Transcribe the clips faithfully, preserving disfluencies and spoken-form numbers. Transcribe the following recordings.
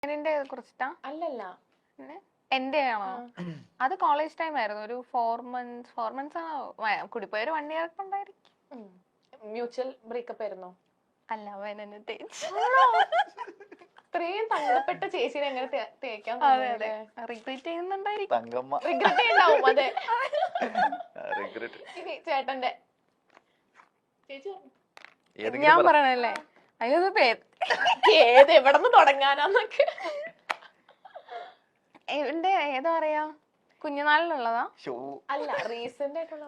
കുറിച്ചിട്ടാ? അല്ലല്ല, എന്റെ ആണോ? അത് കോളേജ് ടൈം ആയിരുന്നു. ഒരു ഫോർ മന്ത്സ് ഫോർ മന്ത്സ് ആണോ കൂടിപ്പോയ ഒരു വൺ ഇയർ ഒക്കെ ഉണ്ടായിരിക്കും. മ്യൂച്വൽ ബ്രേക്കപ്പ് ആയിരുന്നോ? അല്ല, അവൻ എന്നെ തേച്ചു. ഇത്രയും തങ്കപ്പെട്ട ചേച്ചിനെ എങ്ങനെ തേക്കാൻ റിഗ്രറ്റ് ചെയ്യുന്നുണ്ടായിരിക്കും. റിഗ്രറ്റ് ഉണ്ടാവും. അതെ, ഇനി ചേട്ടന്റെ ചേച്ചി ഞാൻ പറയണല്ലേ, അയ്യോ പേര് ഏത് എവിടെ നിന്ന് തുടങ്ങാനാന്നൊക്കെ. എന്റെ ഏതാ പറയാ, കുഞ്ഞുനാളിലുള്ളതാ? അല്ല, റീസെന്റ് ആയിട്ടുള്ള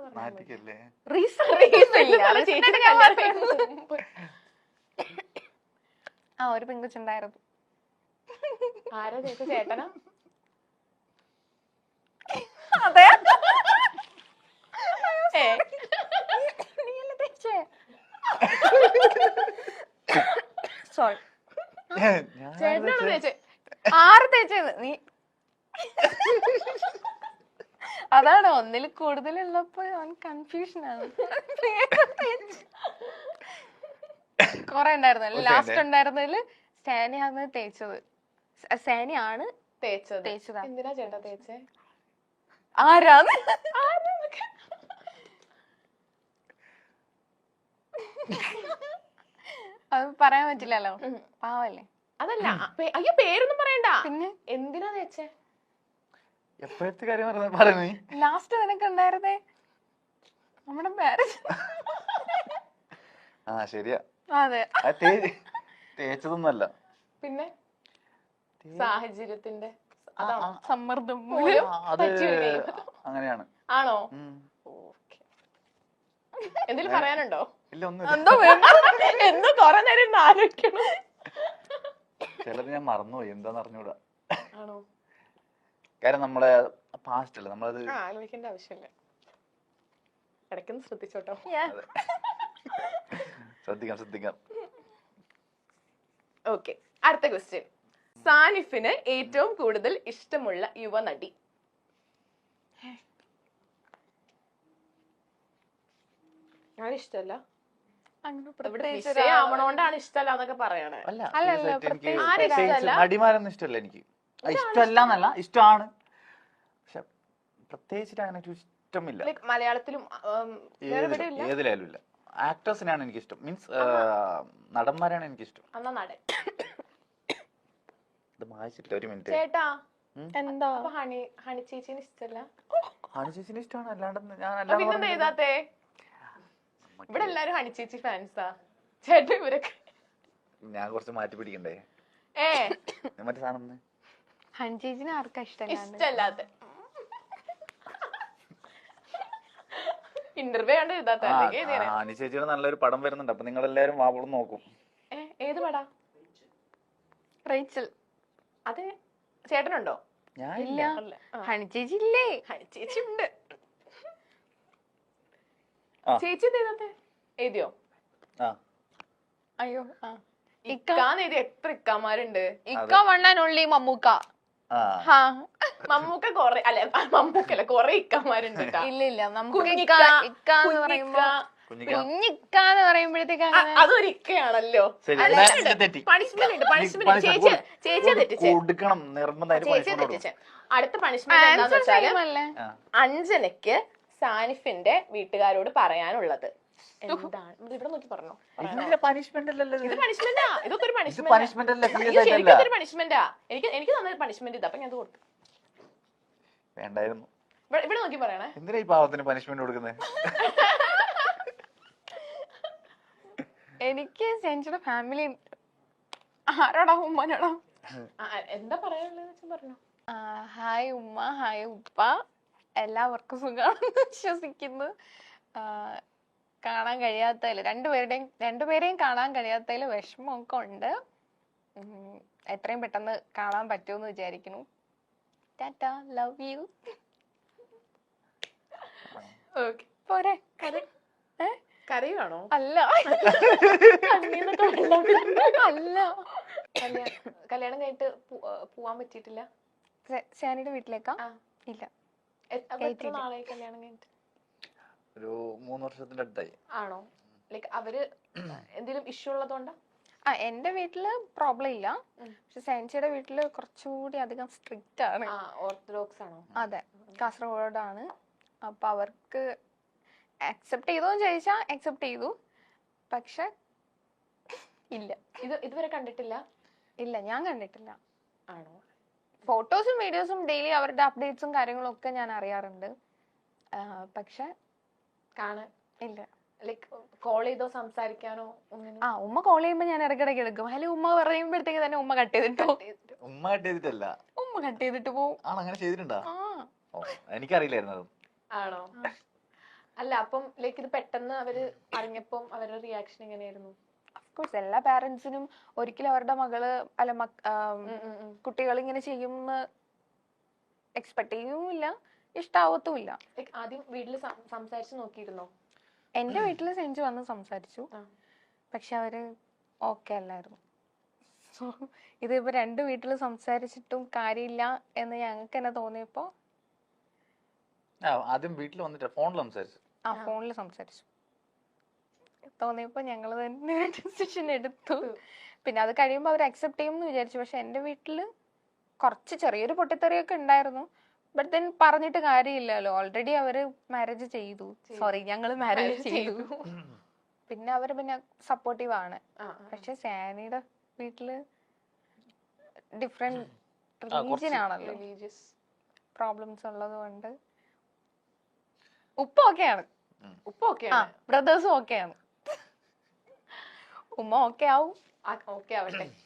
ആ ഒരു പെങ്കുച്ചുണ്ടായിരുന്നു. ആരാ ചേച്ചി? ചേട്ടനാ? അതെ. സോറി, ചേട്ടനാണോ തേച്ചേ? ആറ് തേച്ചത് നീ? അതാണ്, ഒന്നിൽ കൂടുതലുള്ളപ്പോ അവൻ കൺഫ്യൂഷൻ ആണ്. കൊറേ ഉണ്ടായിരുന്നു. ലാസ്റ്റ് ഉണ്ടായിരുന്നതില് സാനിയാണ് തേച്ചത്. സാനിയാണ് തേച്ചത്. തേച്ചതാ. എന്തിനാ ചേട്ടാ തേച്ചേ? ആരാന്ന് അത് പറയാൻ പറ്റില്ലല്ലോ, പാവല്ലേ. അതല്ല, അയ്യോ പേരൊന്നും പറയണ്ട. പിന്നെ എന്തിനാ തേച്ചേ? എപ്പോഴത്തെ കാര്യം പറയുന്നേ? ലാസ്റ്റ് നിനക്ക് ഉണ്ടായിരുന്നേ നമ്മുടെ മാരേജ്. ആ ശരിയാ. അതെ, തേച്ചതൊന്നല്ല, പിന്നെ സാഹചര്യത്തിന്റെ സമ്മർദ്ദം അത് അങ്ങനെയാണ്. ആണോ? എന്തെങ്കിലും പറയാനുണ്ടോ? ഇല്ല, ഒന്നും. എന്തോ കൊറേ നേരം ആലോചിക്കണം. ചിലത് ഞാൻ മറന്നുപോയി, എന്താന്ന് അറിഞ്ഞൂടാ. ആണോ? കാര്യം നമ്മളെ പാസ്റ്റ് അല്ല, നമ്മളത് ആലോചിക്കേണ്ട ആവശ്യമില്ല. ഇടയ്ക്കൊന്ന് ശ്രദ്ധിച്ചോട്ടോ. ശ്രദ്ധിക്കാം ശ്രദ്ധിക്കാം ഓക്കെ, അടുത്ത ക്വസ്റ്റ്യൻ. സാനിഫിന് ഏറ്റവും കൂടുതൽ ഇഷ്ടമുള്ള യുവനടി? ഞാൻ ഇഷ്ടല്ല, ആവണോണ്ടാണ് ഇഷ്ടല്ല എന്നൊക്കെ പറയണേ. നടിമാരൊന്നും ഇഷ്ടമല്ല എനിക്ക്. ഇഷ്ടമല്ല എന്നല്ല, ഇഷ്ടമാണ്, പക്ഷെ പ്രത്യേകിച്ചിട്ട് അങ്ങനെ ഒരു ഇഷ്ടമില്ല. മലയാളത്തിലും ഏതിലായാലും ഇല്ല. ആക്ടേഴ്സിനാണ് എനിക്ക് ഇഷ്ടം, മീൻസ് നടന്മാരാണ് എനിക്ക് ഇഷ്ടം. എന്നാ നടൻ. ഇത് വായിച്ചിട്ടില്ല, ഒരു മിനിറ്റ്. ചേട്ടാ, എന്താ ഹണി ഹണി ചേച്ചിന് ഇഷ്ടല്ല? ഹണി ചേച്ചിന് ഇഷ്ടമാണ്, അല്ലാണ്ട് ഞാൻ പിന്നെന്താ എഴുതാത്തെ? ഇവിടെ എല്ലാരും ഹണി ചേച്ചി ഫാൻസാ. ചേട്ടാ ഇവരൊക്കെ ഞാൻ കുറച്ച് മാറ്റി പിടിക്കണ്ടേ? ഏ മറ്റേ സാധനം ഹണി ചേച്ചിനെ ആർക്കാ ഇഷ്ടം? ഇഷ്ടല്ലാത്ത ഇന്റർവ്യൂ കണ്ട് എഴുതാത്ത. ഹണി ചേച്ചിയുടെ നല്ലൊരു പടം വരുന്നുണ്ട്, അപ്പൊ നിങ്ങൾ എല്ലാരും വാവളം നോക്കും. ഏത് പടാ? റേച്ചൽ. അതെ, ചേട്ടനുണ്ടോ? ഇല്ല. ഹണി ചേച്ചി ഇല്ലേ? ഹണി ചേച്ചി ഉണ്ട്. ചേച്ചി എന്താ എഴുതിയോ? അയ്യോ, ഇക്കാന്ന് എഴുതി. എത്ര ഇക്കാമാരുണ്ട്? ഇക്ക വണ്ണാനുള്ളി മമ്മൂക്ക. മമ്മൂക്ക കൊറേ, അല്ലെ മമ്മൂക്കല്ല, കൊറേ ഇക്കമാരുണ്ട്. ഇല്ല ഇല്ല, നമുക്ക് ഇക്കാന്ന് പറയുമ്പോഴത്തേക്ക് അതൊരു ഇക്കയാണല്ലോ. പണിഷ്മെന്റ് ഉണ്ട്, പണിഷ്മെന്റ്. ചേച്ചി ചേച്ചിയെ തെറ്റിച്ചേ. ചേച്ചിയെ തെറ്റിച്ചേ. അടുത്ത പണിഷ്മെന്റ് എന്താന്ന് വെച്ചാല്, അഞ്ജനയ്ക്ക് സാനിഫിന്റെ വീട്ടുകാരോട് പറയാനുള്ളത് എന്താണ്? ഇവിടെ നോക്കി പറഞ്ഞോ. ഇത് പണിഷ്മെന്റാ, ഇതൊക്കെ ഒരു പണിഷ്മെന്റാ. ശരിക്കും പണിഷ്മെന്റാ. എനിക്ക് എനിക്ക് തന്നെ പണിഷ്മെന്റ് ഇതാ, അപ്പൊ ഞാൻ കൊടുത്തു. വേണ്ടായിരുന്നു. ഇവിടെ നോക്കി പറയണേ. എന്തിനാ ഈ പാവത്തിന് പണിഷ്മെന്റ് കൊടുക്കുന്നത്? എനിക്ക് ചേച്ചിയുടെ ഫാമിലി ആരോടാ? ഉമ്മനോടാ. എന്താ പറയാനുള്ളത് പറഞ്ഞോ. ഹായ് ഉമ്മ, ഹായ് ഉപ്പ, എല്ലാവർക്കും സുഖമാണെന്ന് വിശ്വസിക്കുന്നു. കാണാൻ കഴിയാത്തതിൽ രണ്ടുപേരുടെയും രണ്ടുപേരെയും കാണാൻ കഴിയാത്തതിൽ വിഷമമൊക്കെ ഉണ്ട്. എത്രയും പെട്ടെന്ന് കാണാൻ പറ്റുമെന്ന് വിചാരിക്കുന്നു. Tata, love you. പോരെ? കരയുവാണോ? അല്ല അല്ല, കല്യാണം കഴിഞ്ഞിട്ട് പോവാൻ പറ്റിയിട്ടില്ല. സാനിയുടെ വീട്ടിലേക്കാ? ഇല്ല. നാളായി കല്യാണം കഴിഞ്ഞിട്ട്? ഒരു മൂന്ന് വർഷത്തിന്റെ അടുത്തായി. ആണോ? ലൈക്ക് അവര് എന്തെങ്കിലും ഇഷ്യൂ ഉള്ളതുകൊണ്ടാ? ആ എന്റെ വീട്ടില് പ്രോബ്ലം ഇല്ല, പക്ഷെ സയൻസിയുടെ വീട്ടില് കുറച്ചുകൂടി അധികം സ്ട്രിക്റ്റ് ആണ്. ഓർത്തഡോക്സ് ആണോ? അതെ, കാസർഗോഡാണ്. അപ്പൊ അവർക്ക് അക്സെപ്റ്റ് ചെയ്തോന്ന് ചോദിച്ചാ അക്സെപ്റ്റ് ചെയ്തു, പക്ഷെ ഇല്ല. ഇത് ഇതുവരെ കണ്ടിട്ടില്ല? ഇല്ല, ഞാൻ കണ്ടിട്ടില്ല. ആണോ? ഫോട്ടോസും വീഡിയോസും ഡെയിലി അവരുടെ അപ്ഡേറ്റ്സും കാര്യങ്ങളും ഒക്കെ ഞാൻ അറിയാറുണ്ട്, പക്ഷെ കാണാൻ ഇല്ല. ലൈക്ക് കോൾ ചെയ്തോ സംസാരിക്കാനോ ഒന്നിനും? ആ ഉമ്മ കോൾ ചെയ്യുമ്പോ ഞാൻ ഇടയ്ക്കിടയ്ക്ക് എടുക്കും. ഹലോ ഉമ്മ പറയുമ്പോഴത്തേക്ക് തന്നെ ഉമ്മ കട്ട് ചെയ്തിട്ടോ. ഉമ്മ കട്ട് ചെയ്തിട്ടല്ല, ഉമ്മ കട്ട് ചെയ്തിട്ട് പോവും. ആണ് അങ്ങനെ ചെയ്തിട്ടുണ്ടോ? ആ എനിക്കറിയില്ലായിരുന്നു അത്. ആണോ? അല്ല അപ്പം ലൈക്ക് ഇത് പെട്ടെന്ന് അവര് അറിഞ്ഞപ്പം അവരുടെ റിയാക്ഷൻ എങ്ങനെയായിരുന്നു? അഫ്കോഴ്സ് എല്ലാ പാരന്റ്സിനും ഒരിക്കലും അവരുടെ മകള് അല്ല കുട്ടികൾ ഇങ്ങനെ ചെയ്യുമെന്ന് എക്സ്പെക്ട് ചെയ്യുമില്ല, ഇഷ്ടാവത്തുമില്ല. ആദ്യം വീട്ടില് സംസാരിച്ചു നോക്കിയിരുന്നോ? എന്റെ വീട്ടില് സെഞ്ചു വന്ന് സംസാരിച്ചു, പക്ഷെ അവര് ഓക്കെ അല്ലായിരുന്നു. സോ ഇതിപ്പോ രണ്ട് വീട്ടില് സംസാരിച്ചിട്ടും കാര്യമില്ല എന്ന് ഞങ്ങൾക്ക് തന്നെ തോന്നിയപ്പോ ആദ്യം വീട്ടിൽ വന്നിട്ട് ഫോണിൽ സംസാരിച്ചു. ആ ഫോണിൽ സംസാരിച്ചു തോന്നിയപ്പോ ഞങ്ങള് തന്നെ ഡിസിഷൻ എടുത്തു. പിന്നെ അത് കഴിയുമ്പോ അവർ അക്സെപ്റ്റ് ചെയ്യുമെന്ന് വിചാരിച്ചു. പക്ഷെ എന്റെ വീട്ടില് കുറച്ച് ചെറിയൊരു പൊട്ടിത്തെറിയൊക്കെ ഉണ്ടായിരുന്നു. ബട്ട് ദെൻ പറഞ്ഞിട്ട് കാര്യമില്ലല്ലോ, ഓൾറെഡി അവര് മാരേജ് ചെയ്തു. സോറി, ഞങ്ങള് മാരേജ് ചെയ്തു. പിന്നെ അവര് പിന്നെ സപ്പോർട്ടീവ് ആണ്. പക്ഷെ സാനിയുടെ വീട്ടില് ഡിഫറെന്റ് റിലീജിയൻ ആണല്ലോ, പ്രോബ്ലംസ് ഉള്ളത് കൊണ്ട് ഉപ്പ ഓക്കെയാണ്. ഉപ്പ ഓക്കെയാണ്, ബ്രദേഴ്സും ഓക്കെയാണ്. ഉമ്മ ഓക്കെ ആവും. ഓക്കെ ആവട്ടെ.